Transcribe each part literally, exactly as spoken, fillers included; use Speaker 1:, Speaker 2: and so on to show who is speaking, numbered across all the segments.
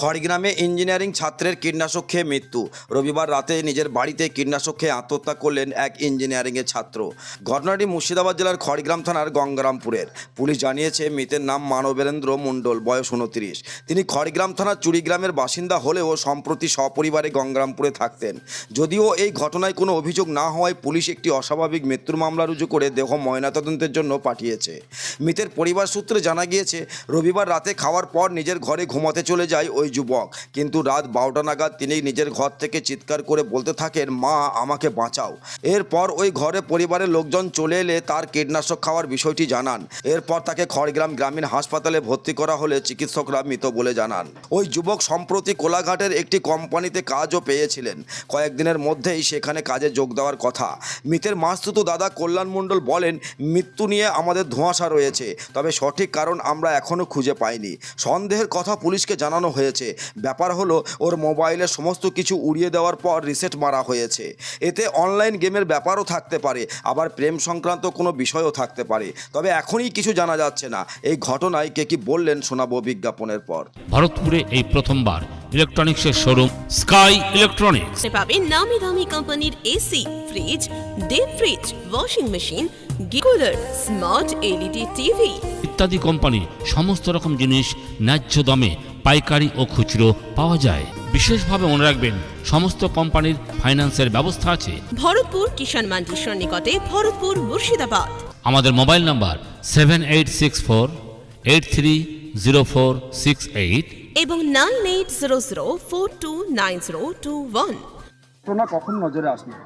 Speaker 1: খড়গ্রামে engineering ছাত্রের কীটনাশক খেয়ে মৃত্যু। রবিবার রাতে নিজের বাড়িতে কীটনাশক খেয়ে আত্মহত্যা করলেন এক ইঞ্জিনিয়ারিংয়ের ছাত্র। ঘটনাটি মুর্শিদাবাদ জেলার খড়গ্রাম থানার গঙ্গারামপুরের। পুলিশ জানিয়েছে মৃতের নাম মানবেন্দ্র মণ্ডল, বয়স উনত্রিশ। তিনি খড়গ্রাম থানার চুরিগ্রামের বাসিন্দা হলেও সম্প্রতি সপরিবারে গঙ্গারামপুরে থাকতেন। যদিও এই ঘটনায় কোনো অভিযোগ না হওয়ায় পুলিশ একটি অস্বাভাবিক মৃত্যুর মামলা রুজু করে দেহ ময়নাতদন্তের জন্য পাঠিয়েছে। মৃতের পরিবার সূত্রে জানা গিয়েছে, রবিবার রাতে খাওয়ার পর নিজের ঘরে ঘুমাতে চলে যায় ওই যুবক। কিন্তু রাত বারোটা নাগাদ তিনি নিজের ঘর থেকে চিৎকার করে বলতে থাকেন, মা আমাকে বাঁচাও। এরপর ওই ঘরে পরিবারের লোকজন চলে এলে তার কীটনাশক খাওয়ার বিষয়টি জানান। এরপর তাকে খড়গ্রাম গ্রামীণ হাসপাতালে ভর্তি করা হলে চিকিৎসকরা মৃত বলে জানান। ওই যুবক সম্প্রতি কোলাঘাটের একটি কোম্পানিতে কাজও পেয়েছিলেন। কয়েকদিনের মধ্যেই সেখানে কাজে যোগ দেওয়ার কথা। মৃতের মাসতুতো দাদা কল্যাণ মণ্ডল বলেন, মৃত্যু নিয়ে আমাদের ধোঁয়াশা রয়েছে, তবে সঠিক কারণ আমরা এখনও খুঁজে পাইনি। সন্দেহের কথা পুলিশকে জানানো হয়েছে। ব্যাপার হলো, ওর মোবাইলের সমস্ত কিছু উড়িয়ে দেওয়ার পর রিসেট মারা হয়েছে। এতে অনলাইন গেমের ব্যাপারও থাকতে পারে, আবার প্রেম সংক্রান্ত কোনো বিষয়ও থাকতে পারে। তবে এখনই কিছু জানা যাচ্ছে না। এই ঘটনায় কে কি বললেন শোনাবো বিজ্ঞাপনের পর।
Speaker 2: ভারতপুরে এই প্রথমবার ইলেকট্রনিক্সের শোরুম স্কাই ইলেকট্রনিক্স
Speaker 3: পাবেন নামি দামি কোম্পানির AC, fridge, deep fridge, washing machine, cooler, smart LED TV
Speaker 2: ইত্যাদি কোম্পানি সমস্ত রকম জিনিস ন্যায্য দামে পাইকারি ও খুচরো পাওয়া যায়। বিশেষভাবে মনে রাখবেন, সমস্ত কোম্পানির ফাইন্যান্সের ব্যবস্থা আছে।
Speaker 3: ভরতপুর কিষাণ মান্ডির নিকটে, ভরতপুর, মুর্শিদাবাদ।
Speaker 2: আমাদের mobile number seven eight six four eight three zero four six eight
Speaker 3: এবং nine eight zero zero four two nine zero two one.
Speaker 4: ঘটনা কখন নজরে আসলো?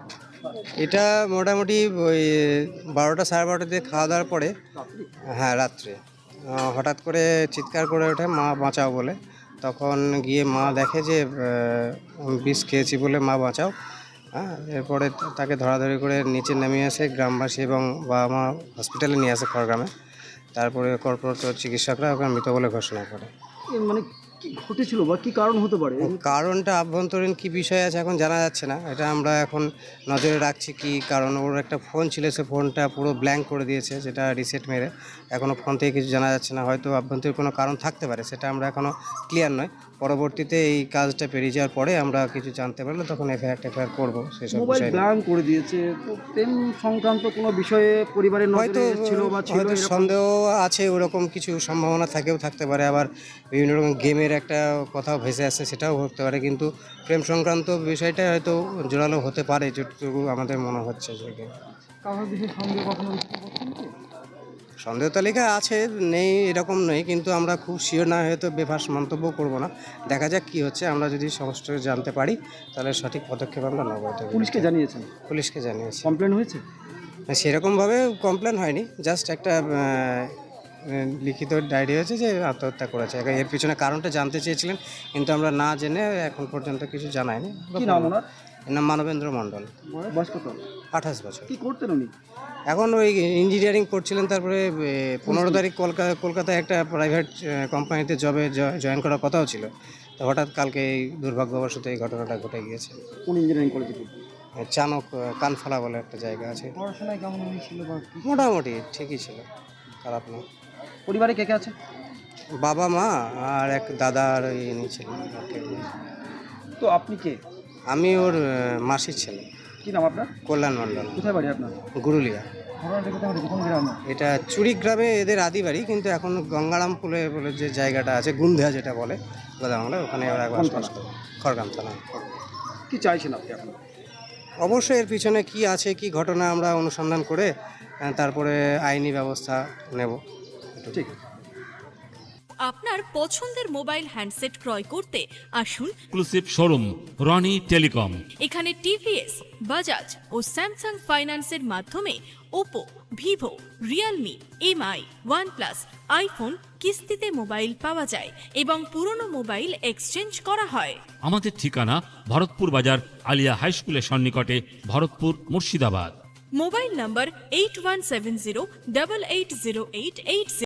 Speaker 5: এটা মোটামুটি ওই বারোটা সাড়ে বারোটা দিয়ে খাওয়া দাওয়ার পরে, হ্যাঁ রাত্রে আহ, হঠাৎ করে চিৎকার করে ওঠে, মা বাঁচাও বলে। তখন গিয়ে মা দেখে যে আহ, বিষ খেয়েছি বলে মা বাঁচাও। হ্যাঁ, এরপরে তাকে ধরাধরি করে নিচে নামিয়ে আসে গ্রামবাসী এবং বাবা মা হসপিটালে নিয়ে আসে খড়গ্রামে। তারপরে কর্পোরেট চিকিৎসকরা ওকে মৃত বলে ঘোষণা করে।
Speaker 4: এ মানে কি ঘটেছিল বা কি কারণ হতে পারে?
Speaker 5: কারণটা আভ্যন্তরীণ কি বিষয় আছে এখন জানা যাচ্ছে না। এটা আমরা এখন নজরে রাখছি। কি কারণ, ওর একটা ফোন ছিল, সে ফোনটা পুরো ব্ল্যাঙ্ক করে দিয়েছে, যেটা রিসেট মেরে। এখনও ফোন থেকে কিছু জানা যাচ্ছে না। হয়তো আভ্যন্তরীণ কোনো কারণ থাকতে পারে, সেটা আমরা এখনও ক্লিয়ার নয়। পরবর্তীতে এই কাজটা পেরিয়ে যাওয়ার পরে আমরা কিছু জানতে পারলে তখন এফআইআর টেফআইআর করবো সেসব
Speaker 4: মোবাইল
Speaker 5: বিষয়।
Speaker 4: ব্ল্যাঙ্ক করে দিয়েছে, তো প্রেম সংক্রান্ত কোনো বিষয়ে পরিবারের
Speaker 5: হয়তো
Speaker 4: নজরে ছিল বা ছিল
Speaker 5: হয়তো
Speaker 4: এরকম?
Speaker 5: সন্দেহ আছে, ওরকম কিছু সম্ভাবনা থাকেও থাকতে পারে। আবার বিভিন্ন রকম গেমের একটা কথাও ভেসে আসছে, সেটাও হতে পারে। কিন্তু প্রেম সংক্রান্ত বিষয়টা হয়তো জোরালো হতে পারে, যেটুকু আমাদের মনে হচ্ছে। যে
Speaker 4: কারোর বিষয়ে সন্দেহ কখনো উঠতে পারছেন কি?
Speaker 5: সন্দেহ তালিকা আছে, নেই এরকম নয়, কিন্তু আমরা খুব শিওর না হয়তো বেফাস মন্তব্য করব না। দেখা যাক কি হচ্ছে। আমরা যদি সমস্ত জানতে পারি তাহলে সঠিক পদক্ষেপ আমরা নেব।
Speaker 4: পুলিশকে জানিয়েছেন?
Speaker 5: পুলিশকে জানিয়েছি।
Speaker 4: কমপ্লেন হয়েছে?
Speaker 5: না, সেরকমভাবে কমপ্লেন হয়নি, জাস্ট একটা আহ, লিখিত ডায়েরি হয়েছে যে আত্মহত্যা করেছে। এর পিছনে কারণটা জানতে চেয়েছিলেন, কিন্তু আমরা না জেনে এখন পর্যন্ত কিছু জানাইনি।
Speaker 4: কি নাম ওনার?
Speaker 5: এর নাম মানবেন্দ্র মণ্ডল,
Speaker 4: বয়স কত?
Speaker 5: আঠাশ বছর।
Speaker 4: কি করতেন উনি?
Speaker 5: এখন ওই ইঞ্জিনিয়ারিং করছিলেন। তারপরে পনেরো তারিখ কলকাতা কলকাতায় একটা প্রাইভেট কোম্পানিতে জবে জয়েন করার কথাও ছিল। তো হঠাৎ কালকে এই দুর্ভাগ্যবশত এই ঘটনাটা ঘটে গিয়েছে।
Speaker 4: কোন ইঞ্জিনিয়ারিং কলেজে?
Speaker 5: চানক কানফলা বলে একটা জায়গা আছে।
Speaker 4: পড়াশোনায় কেমন উনি ছিল বা কি?
Speaker 5: মোটামুটি ঠিকই ছিল, খারাপ না।
Speaker 4: পরিবারে কে কে আছে?
Speaker 5: বাবা মা আর এক দাদা আর ওই ইনি ছিলেন।
Speaker 4: তো আপনি কে?
Speaker 5: আমি ওর আহ, মাসির ছেলে।
Speaker 4: কি নাম আপনার?
Speaker 5: কল্যাণ মণ্ডল,
Speaker 4: কোথায় বাড়ি আপনার?
Speaker 5: গুরুলিয়া।
Speaker 4: ঘটনাটা কোথায় ঘটেছে? কোন গ্রামে?
Speaker 5: এটা চুরিগ্রামে এদের আদি বাড়ি, কিন্তু এখন গঙ্গারামপুরে বলে যে জায়গাটা আছে, গুন্ধিয়া যেটা বলে গোদাবাংলা, ওখানে ওরা বসবাস করে। খড়গ্রাম থানা।
Speaker 4: কি চাইছেন আপনি এখন?
Speaker 5: অবশ্যই এর পিছনে কি আছে, কি ঘটনা আমরা অনুসন্ধান করে আহ, তারপরে আইনি ব্যবস্থা নেব।
Speaker 4: ঠিক আছে।
Speaker 6: আপনার পছন্দের মোবাইল হ্যান্ডসেট ক্রয় করতে আসুন
Speaker 2: এক্সক্লুসিভ শোরুম রনি টেলিকম।
Speaker 6: এখানে টিভিএস, বাজাজ ও স্যামসাং ফাইন্যান্সের মাধ্যমে Oppo, Vivo, Realme, MI, OnePlus, iPhone কিস্তিতে মোবাইল পাওয়া যায় এবং পুরনো মোবাইল এক্সচেঞ্জ করা হয়।
Speaker 2: আমাদের ঠিকানা ভরতপুর বাজার আলিয়া হাই স্কুলের সন্নিকটে, Bharatpur, Murshidabad.
Speaker 6: Mobile number eight one seven zero double eight zero eight eight